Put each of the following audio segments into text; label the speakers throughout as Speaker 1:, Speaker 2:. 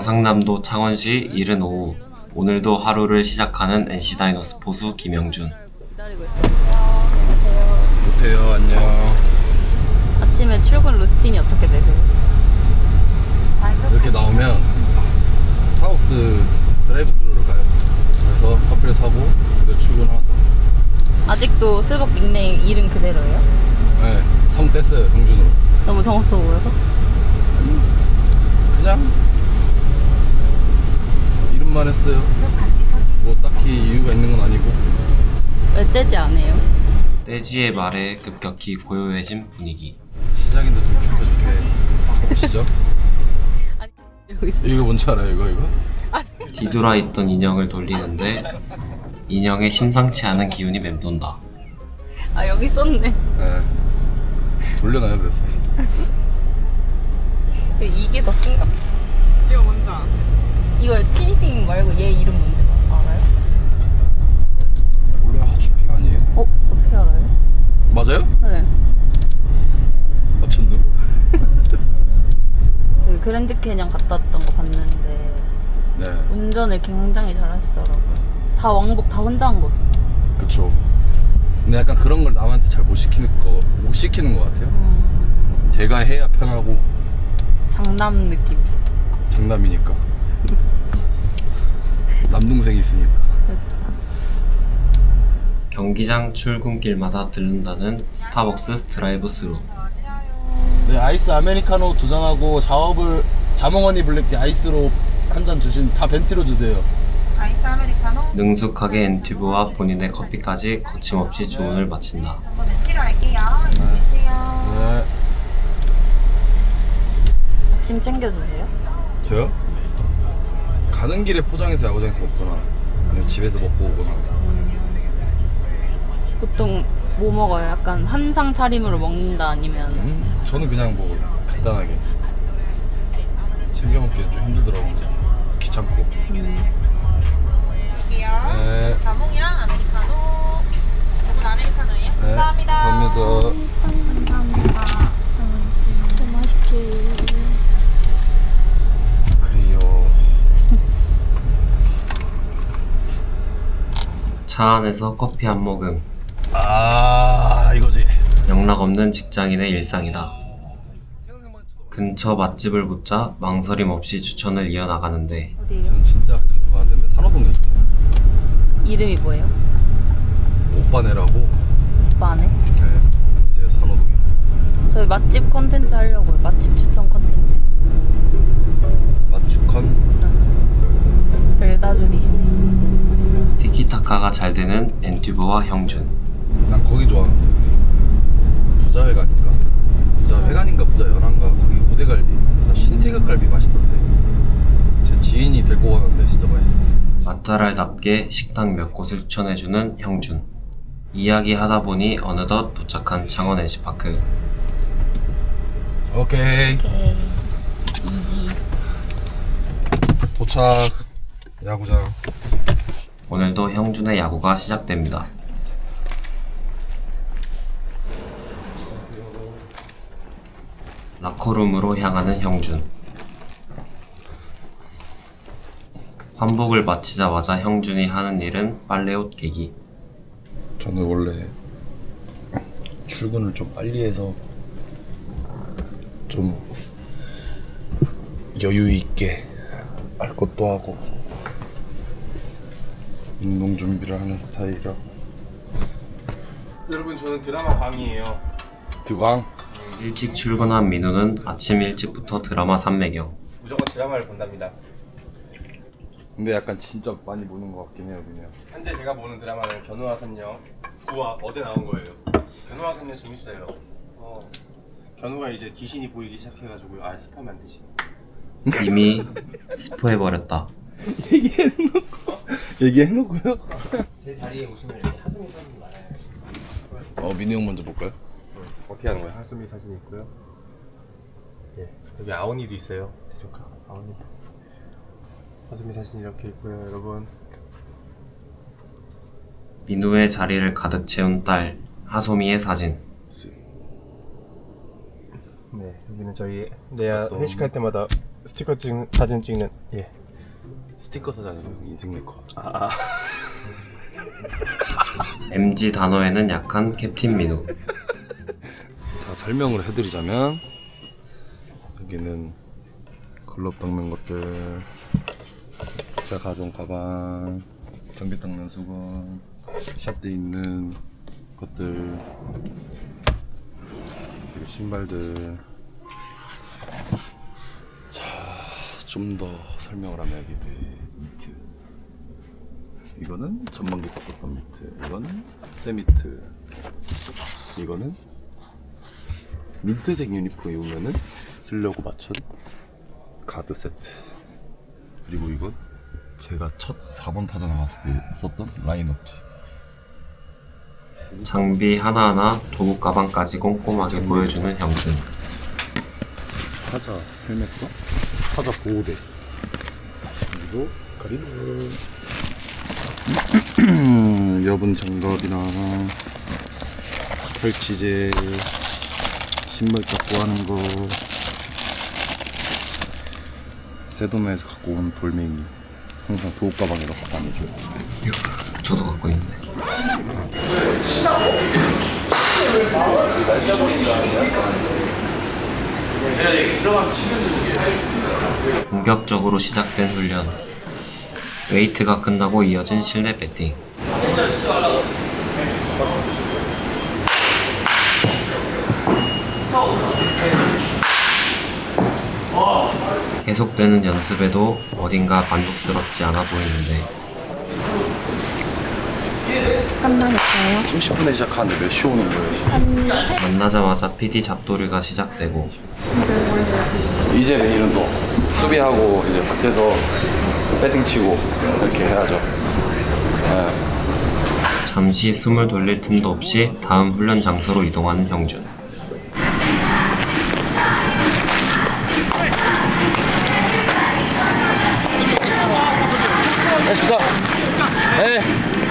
Speaker 1: 경상남도 창원시 이른 오후, 오늘도 하루를 시작하는 NC 다이노스 포수 김영준.
Speaker 2: 기다리고 있어요. 안녕하세요.
Speaker 3: 못해요. 안녕.
Speaker 2: 아침에 출근 루틴이 어떻게 되세요?
Speaker 3: 이렇게 나오면 스타벅스 드라이브 스루를 가요. 그래서 커피를 사고 그대로 출근하죠.
Speaker 2: 아직도 스벅 닉네임 이름 그대로예요?
Speaker 3: 네, 성 뗐어요. 형준으로.
Speaker 2: 너무 정없어 보여서?
Speaker 3: 그냥 이름만 했어요. 뭐 딱히 이유가 있는 건 아니고.
Speaker 2: 왜 떼지 않아요?
Speaker 1: 떼지의 말에 급격히 고요해진 분위기.
Speaker 3: 시작인데 좀 좋게 가보시죠.
Speaker 2: 아니 이러고 있어.
Speaker 3: 이거 뭔지 알아요? 이거?
Speaker 1: 뒤돌아 있던 인형을 돌리는데 인형에 심상치 않은 기운이 맴돈다.
Speaker 2: 아 여기 썼네.
Speaker 3: 네. 돌려놔요. 그래서
Speaker 2: 이게 더 충격.
Speaker 4: 이거 뭔지 알아?
Speaker 2: 이거 티니핑 말고 얘 이름 뭔지 알아요?
Speaker 3: 원래 하추핑 아니에요?
Speaker 2: 어? 어떻게 알아요?
Speaker 3: 맞아요?
Speaker 2: 네.
Speaker 3: 맞췄네.
Speaker 2: 그 그랜드 캐년 갔다 왔던 거 봤는데
Speaker 3: 네,
Speaker 2: 운전을 굉장히 잘 하시더라고요. 다 왕복 다 혼자 한 거죠.
Speaker 3: 그쵸. 근데 약간 그런 걸 남한테 잘 못 시키는 것 같아요. 제가 해야 편하고
Speaker 2: 장남 느낌.
Speaker 3: 장남이니까. 남동생이 있으니까.
Speaker 1: 경기장 출근길마다 들른다는 스타벅스 드라이브 스루.
Speaker 3: 네, 아이스 아메리카노 2잔하고 자몽허니 블랙티 아이스로 한 잔 주신, 다 벤티로 주세요.
Speaker 4: 아이스 아메리카노
Speaker 1: 능숙하게 엔튜브와 본인의 커피까지 거침없이 주문을 마친다.
Speaker 4: 한번 멘티로 할게요. 이거 주세요.
Speaker 3: 네.
Speaker 2: 아침 챙겨 드세요?
Speaker 3: 저요? 가는 길에 포장해서 야구장에서 먹거나 아니면 집에서 먹고 오거나.
Speaker 2: 보통 뭐 먹어요? 약간 한상 차림으로 먹는다 아니면
Speaker 3: 저는 그냥 뭐 간단하게 챙겨 먹기는 좀 힘들더라고요. 귀찮고.
Speaker 4: 할게요.
Speaker 3: 네.
Speaker 4: 자몽이랑 아메리카노. 저분 아메리카노예요?
Speaker 3: 네,
Speaker 4: 감사합니다.
Speaker 3: 감사합니다.
Speaker 4: 감사합니다.
Speaker 2: 너무 맛있게.
Speaker 3: 그래요.
Speaker 1: 차 안에서 커피 한 모금.
Speaker 3: 아, 이거지.
Speaker 1: 영락없는 직장인의 일상이다. 근처 맛집을 묻자 망설임 없이 추천을 이어나가는데
Speaker 2: 어디에요?
Speaker 3: 저는 진짜 자주 가는데 산호동에 있어요.
Speaker 2: 이름이 뭐예요?
Speaker 3: 오빠네라고.
Speaker 2: 오빠네?
Speaker 3: 네, 있어요. 산호동에.
Speaker 2: 저희 맛집 컨텐츠 하려고요. 맛집 추천 컨텐츠.
Speaker 3: 맞추컨.
Speaker 2: 별다줄이시네.
Speaker 1: 티키타카가 잘 되는 엔튜브와 형준.
Speaker 3: 난 거기 좋아하는데. 부자회관인가? 부자회관인가 부자연한가 거기 우대갈비. 나 신태극갈비 맛있던데. 제 지인이 데리고 가는데 진짜 맛있어.
Speaker 1: 맛잘알답게 식당 몇 곳을 추천해주는 형준. 이야기하다 보니 어느덧 도착한 창원 NC파크.
Speaker 3: 오케이.
Speaker 2: 오케이. 이지.
Speaker 3: 도착. 야구장.
Speaker 1: 오늘도 형준의 야구가 시작됩니다. 라커룸으로 향하는 형준. 환복을 마치자마자 형준이 하는 일은 빨래옷 개기.
Speaker 3: 저는 원래 출근을 좀 빨리 해서 좀 여유 있게 할 것도 하고 운동 준비를 하는 스타일이라.
Speaker 5: 여러분 저는 드라마 광이에요.
Speaker 3: 드광.
Speaker 1: 일찍 출근한 민우는 아침 일찍부터 드라마 삼매경.
Speaker 5: 무조건 드라마를 본답니다.
Speaker 3: 근데 약간 진짜 많이 보는 것 같긴 해요. 그냥
Speaker 5: 현재 제가 보는 드라마는 견우와 선녀. 우와 어제 나온 거예요. 견우와 선녀 재밌어요. 견우가 이제 귀신이 보이기 시작해가지고요. 아 스포하면 안 되지.
Speaker 1: 이미 스포해버렸다.
Speaker 3: 얘기해놓고요.
Speaker 5: 제 자리에 오시면 이렇게 하승이 사진이 많아요.
Speaker 3: 민우 형 먼저 볼까요?
Speaker 5: 어떻게 하는 거예요? 하승이 사진이 있고요. 예 여기 아오니도 있어요. 대조카 아오니. 하승이 사진이 이렇게 있고요, 여러분.
Speaker 1: 민우의 자리를 가득 채운 딸 하소미의 사진.
Speaker 5: 네 여기는 저희 내야 회식할 때마다 스티커 사진 찍는 예.
Speaker 3: 스티커 사자는 인생 네컷.
Speaker 1: MG 단어에는 약한 캡틴 민우.
Speaker 3: 자, 설명을 해드리자면 여기는 글럽 닦는 것들, 제가 가져온 가방, 장비 닦는 수건, 샵돼 있는 것들, 그리고 신발들. 자, 좀 더 설명을 하면 여기 미트, 이거는 전반기 때 썼던 미트, 이거는 새 미트, 이거는 민트색 유니폼 입으면은 쓰려고 맞춘 가드 세트, 그리고 이건 제가 첫 4번 타자 나갔을 때 썼던 라인업지.
Speaker 1: 장비 하나하나 도구 가방까지 꼼꼼하게 보여주는 형준.
Speaker 3: 타자 헬멧과 타자 보호대, 그리고 가리는 여분 장갑이나 펼치제, 신발 닦고 하는 거, 세도메에서 갖고 온 돌멩이 항상 도구 가방에 넣고 다니죠.
Speaker 1: 저도 갖고 있는데. 본격적으로 시작된 훈련. 웨이트가 끝나고 이어진 실내 배팅. 계속되는 연습에도 어딘가 만족스럽지 않아 보이는데
Speaker 3: 30분에 시작하는데 몇 시 오는 거예요?
Speaker 1: 만나자마자 PD 잡돌이가 시작되고
Speaker 3: 이제 내일은 또 수비하고 이제 밖에서 배팅 치고 이렇게 해야죠.
Speaker 1: 잠시 숨을 돌릴 틈도 없이 다음 훈련 장소로 이동하는 형준.
Speaker 3: 안녕하십니까? 네.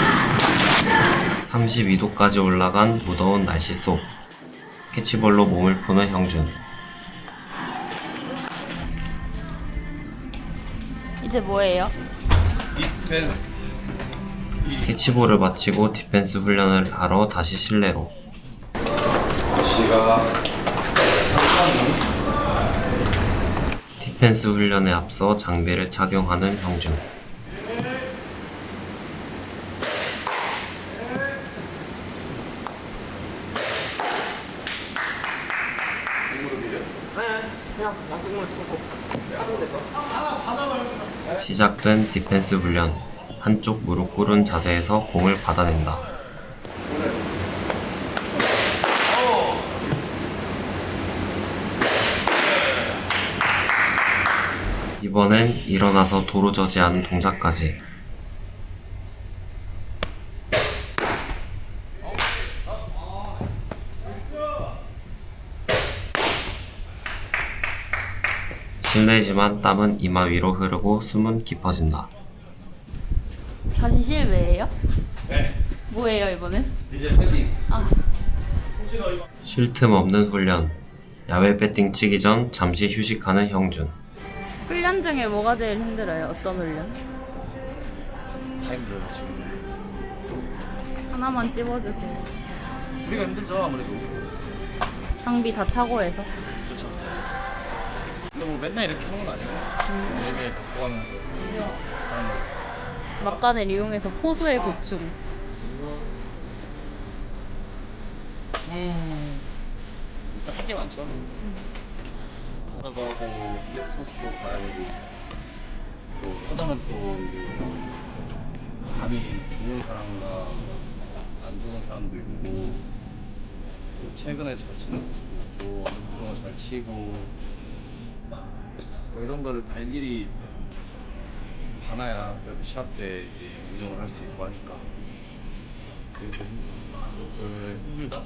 Speaker 1: 32도까지 올라간 무더운 날씨 속 캐치볼로 몸을 푸는 형준.
Speaker 2: 이제 뭐예요?
Speaker 3: 디펜스.
Speaker 1: 캐치볼을 마치고 디펜스 훈련을 하러 다시 실내로.
Speaker 3: 시가
Speaker 1: 디펜스 훈련에 앞서 장비를 착용하는 형준. 시작된 디펜스 훈련. 한쪽 무릎 꿇은 자세에서 공을 받아낸다. 이번엔 일어나서 도로 저지하는 동작까지. 실내지만 땀은 이마 위로 흐르고 숨은 깊어진다.
Speaker 2: 다시 실외예요? 네. 뭐예요 이번엔?
Speaker 3: 이제 패딩.
Speaker 1: 쉴 틈 없는 훈련. 야외 배팅 치기 전 잠시 휴식하는 형준.
Speaker 2: 훈련 중에 뭐가 제일 힘들어요? 어떤 훈련?
Speaker 3: 다 힘들어요 지금.
Speaker 2: 하나만 찝어주세요.
Speaker 3: 수비가 힘들죠 아무래도.
Speaker 2: 장비 다 차고 해서.
Speaker 3: 그렇죠. 근데 뭐 맨날 이렇게 하는 건 아니고 매일매일 바꿔가면서 하는 거.
Speaker 2: 막간을 이용해서 포수의 보충.
Speaker 3: 일단 할 게 많죠. 하고 소스도 가야 되고 또 하다는 또 감이 좋은 사람과 안 좋은 사람도 있고 또 최근에 잘 치는 또 어느 정도 잘 치고 뭐 이런 거를 다 일일이 봐놔야 그래도 시합 때 이제 운영을 할 수 있고 하니까 그게 좀 힘들다.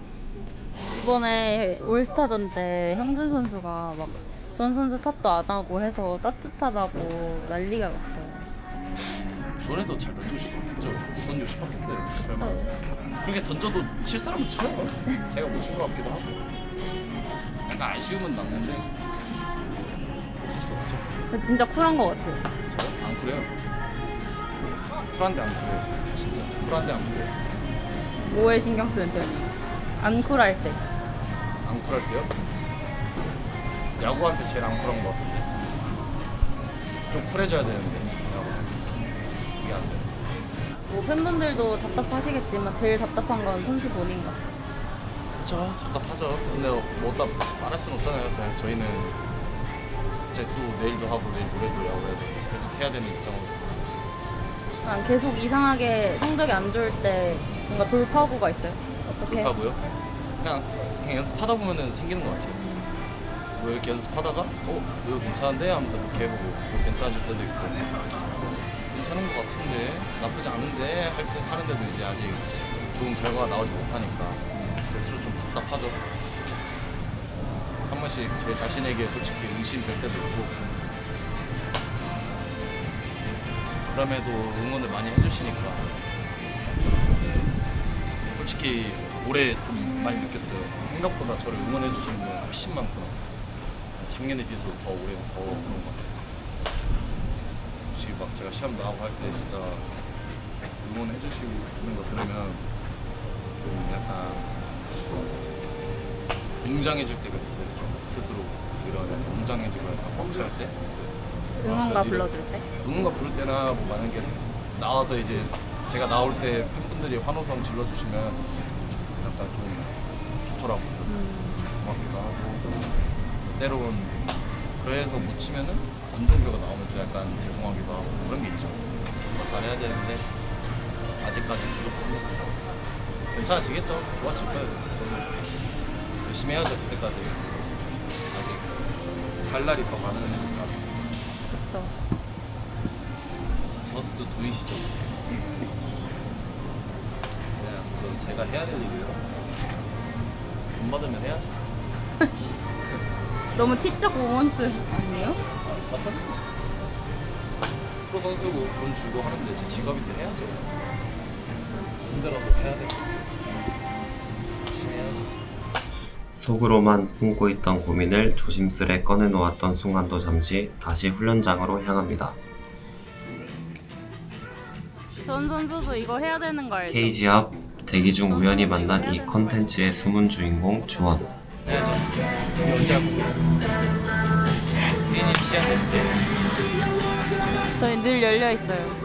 Speaker 2: 이번에 올스타전 때 형준 선수가 막 전 선수 탓도 안 하고 해서 따뜻하다고 난리가 났어요.
Speaker 3: 주원에도 잘 던지고 던지고 싶었겠어요. 설마 그렇게 던져도 칠 사람은 쳐요. 제가 못 친 것 같기도 하고 약간 아쉬움은 남는데 어쩔 수 없죠.
Speaker 2: 근데 진짜 쿨한 것 같아요.
Speaker 3: 저요? 안 쿨해요. 쿨한데 안 쿨해요. 진짜 쿨한데 안 쿨해요.
Speaker 2: 뭐에 신경 쓰는 편이에요? 안 쿨할 때.
Speaker 3: 안 쿨할 때요? 야구한테 제일 안 쿨한 것 같은데. 좀 쿨해져야 되는데 야구. 그게 안 돼.
Speaker 2: 뭐 팬분들도 답답하시겠지만 제일 답답한 건 선수 본인 같아요.
Speaker 3: 그쵸, 답답하죠. 근데 뭐 어디다 말할 수는 없잖아요. 그냥 저희는 이제 또 내일도 하고 내일 모레도 야구해야 되고 계속 해야 되는 입장으로서.
Speaker 2: 그냥 계속 이상하게 성적이 안 좋을 때 뭔가 돌파구가 있어요? 어떻게?
Speaker 3: 하고요. 그냥 연습하다 보면은 생기는 것 같아요. 뭐 이렇게 연습하다가 이거 괜찮은데 하면서 이렇게 해보고 뭐 괜찮아질 때도 있고 괜찮은 것 같은데 나쁘지 않은데 할 때 하는데도 이제 아직 좋은 결과가 나오지 못하니까 제 스스로 좀 답답하죠. 한 번씩 제 자신에게 솔직히 의심될 때도 있고 그럼에도 응원을 많이 해주시니까 솔직히 올해 좀 많이 느꼈어요. 생각보다 저를 응원해 주시는 분이 훨씬 많구나. 작년에 비해서 더 올해는 더 그런 것 같아요. 솔직히 막 제가 시험 나가고 할 때 진짜 응원해 주시는 거 들으면 좀 약간 웅장해질 때가 있어요. 좀 스스로 이런 웅장해지고 약간 벅찰 때 있어요.
Speaker 2: 응원가
Speaker 3: 이런-
Speaker 2: 불러줄 때?
Speaker 3: 응원가 부를 때나 뭐 만약에 나와서 이제 제가 나올 때 팬분들이 환호성 질러주시면 약간 좀 좋더라고요. 고맙기도 하고 때로는 그래서 못 치면은 안 좋은 결과 나오면 좀 약간 죄송하기도 하고 그런 게 있죠. 더 잘해야 되는데 아직까지 부족합니다. 괜찮아지겠죠? 좋아질 거예요. 저는 열심히 해야죠. 그때까지 아직 할 날이 더 많으니까.
Speaker 2: 그쵸.
Speaker 3: 저스트 두이시죠. 그냥 그건 제가 해야 될 일이에요. 돈 받으면 해야죠.
Speaker 2: 너무 티적 모먼트 아니에요?
Speaker 3: 맞죠? 프로 선수고 돈 주고 하는데 제 직업인데 해야죠. 힘들어도 해야 돼. 열심히 해야죠.
Speaker 1: 속으로만 품고 있던 고민을 조심스레 꺼내놓았던 순간도 잠시 다시 훈련장으로 향합니다.
Speaker 2: 전 선수도 이거 해야 되는 거 알죠?
Speaker 1: 케이지 앞 대기 중 우연히 만난 이 컨텐츠의 숨은 주인공 주원.
Speaker 3: 해야죠. 언제 하고? 개인이 시작했을 때
Speaker 2: 저희 늘 열려 있어요.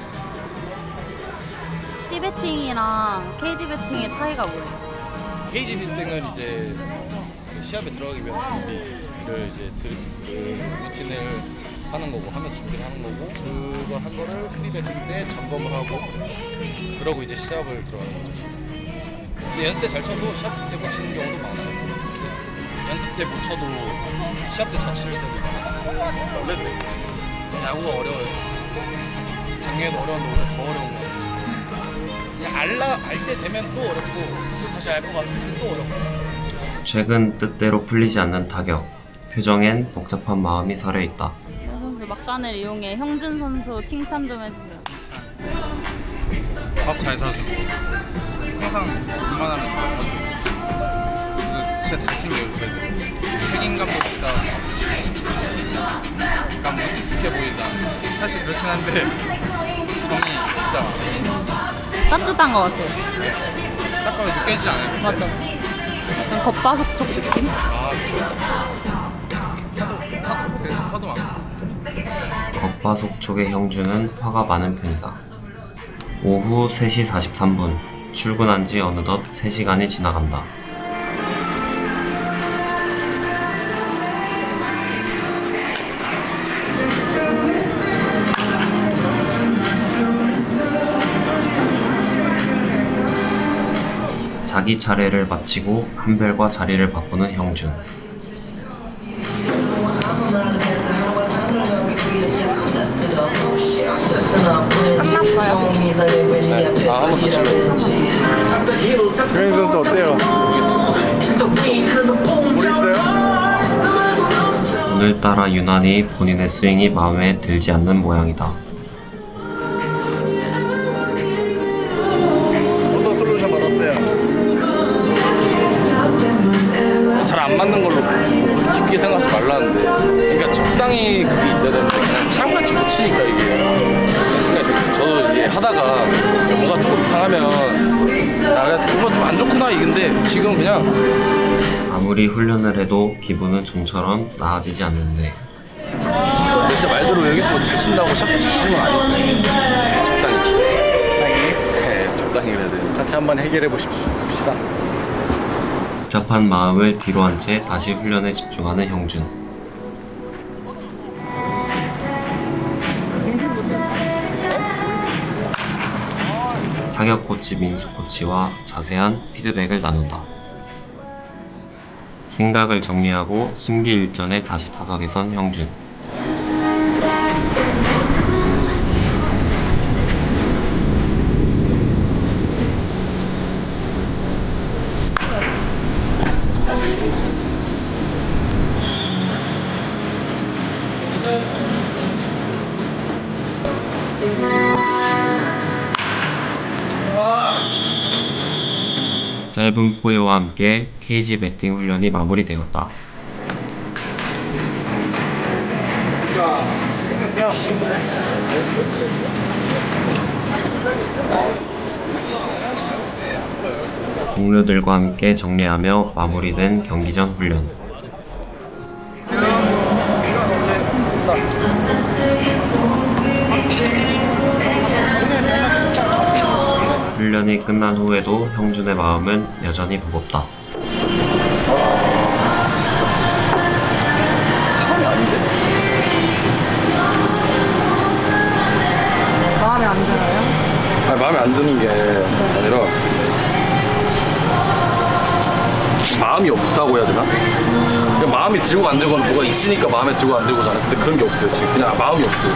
Speaker 2: T배팅이랑 KG 배팅의 차이가 뭐예요?
Speaker 3: KG 비팅은 이제 그 시합에 들어가기 위한 준비를 이제 그 루틴을 하는 거고 하면서 준비를 하는 거고 그걸 한 거를 프리배팅 때 점검을 하고 그러고 이제 시합을 들어가는 거죠. 근데 연습 때 잘 쳐도 시합 때 못 치는 경우도 많아요. 연습 때 못 쳐도 시합 때 잘 치는 때도 있고 원래 그래. 야구가 어려워요. 작년에도 어려웠는데 올해 더 어려운 것 같아요. 그냥 알 때 되면 또 어렵고 또 다시 알 것 같은데 또 어렵고
Speaker 1: 최근 뜻대로 풀리지 않는 타격. 표정엔 복잡한 마음이 서려 있다.
Speaker 2: 현 선수 막간을 이용해 형준 선수 칭찬 좀 해주세요.
Speaker 6: 밥 잘 사주고 항상 웬만하면 다 사주고 진짜 잘 챙겨주세요. 책임감도 진짜 약간 무뚝뚝해 보인다. 사실 그렇긴 한데 정이 진짜
Speaker 2: 따뜻한 것 같아요.
Speaker 6: 딱 봐도 느껴지지 않아요.
Speaker 2: 맞죠? 약간 겉바속촉 느낌?
Speaker 6: 아 그쵸. 화도 되게 화도 많고
Speaker 1: 겉바속촉의 형준은 화가 많은 편이다. 오후 3시 43분. 출근한 지 어느덧 3시간이 지나간다. 자기 차례를 마치고 한별과 자리를 바꾸는 형준.
Speaker 3: 한번 더 치려고.
Speaker 6: 그런 선수 어때요? 모르겠어요?
Speaker 1: 오늘따라 유난히 본인의 스윙이 마음에 들지 않는 모양이다.
Speaker 6: 어떤 솔루션 받았어요?
Speaker 3: 잘 안 맞는 걸로 깊게 생각하지 말라는데 그러니까 적당히 그게 있어야 되는 하다가 뭐가 조금 이상하면 뭔가 좀 안 좋구나 이건데 지금 그냥
Speaker 1: 아무리 훈련을 해도 기분은 좀처럼 나아지지 않는데
Speaker 3: 진짜 말대로 여기서 잘 친다고 샷도 잘 치는 건 아니지. 적당히. 네, 적당히 그래야 돼.
Speaker 5: 같이 한번 해결해 봅시다.
Speaker 1: 복잡한 마음을 뒤로 한 채 다시 훈련에 집중하는 형준. 타격 코치 민수 코치와 자세한 피드백을 나눈다. 생각을 정리하고 심기일전에 다시 타석에 선 형준. 짧은 포효와 함께 케이지 배팅 훈련이 마무리되었다. 동료들과 함께 정리하며 마무리된 경기 전 훈련. 훈련이 끝난 후에도 형준의 마음은 여전히 무겁다.
Speaker 3: 상황이 아닌데.
Speaker 4: 마음에 안 들어요?
Speaker 3: 아니, 마음에 안 드는 게 아니라 마음이 없다고 해야 되나? 그냥 마음이 들고 안 들고는 뭐가 있으니까 마음에 들고 안 들고잖아. 근데 그런 게 없어요. 지금 그냥 마음이 없어요.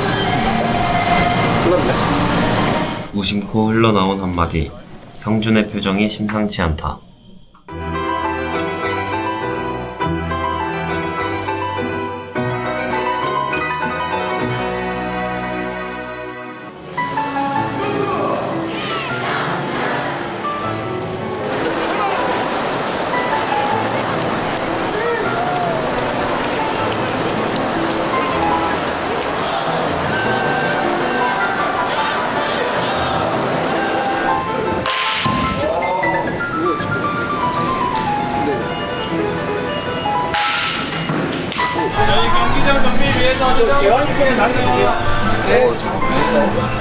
Speaker 3: 끝났네.
Speaker 1: 무심코 흘러나온 한마디. 형준의 표정이 심상치 않다.
Speaker 5: 경기장 정비 위해서 좀 재환이께 남겨주세요.
Speaker 3: 잠깐만.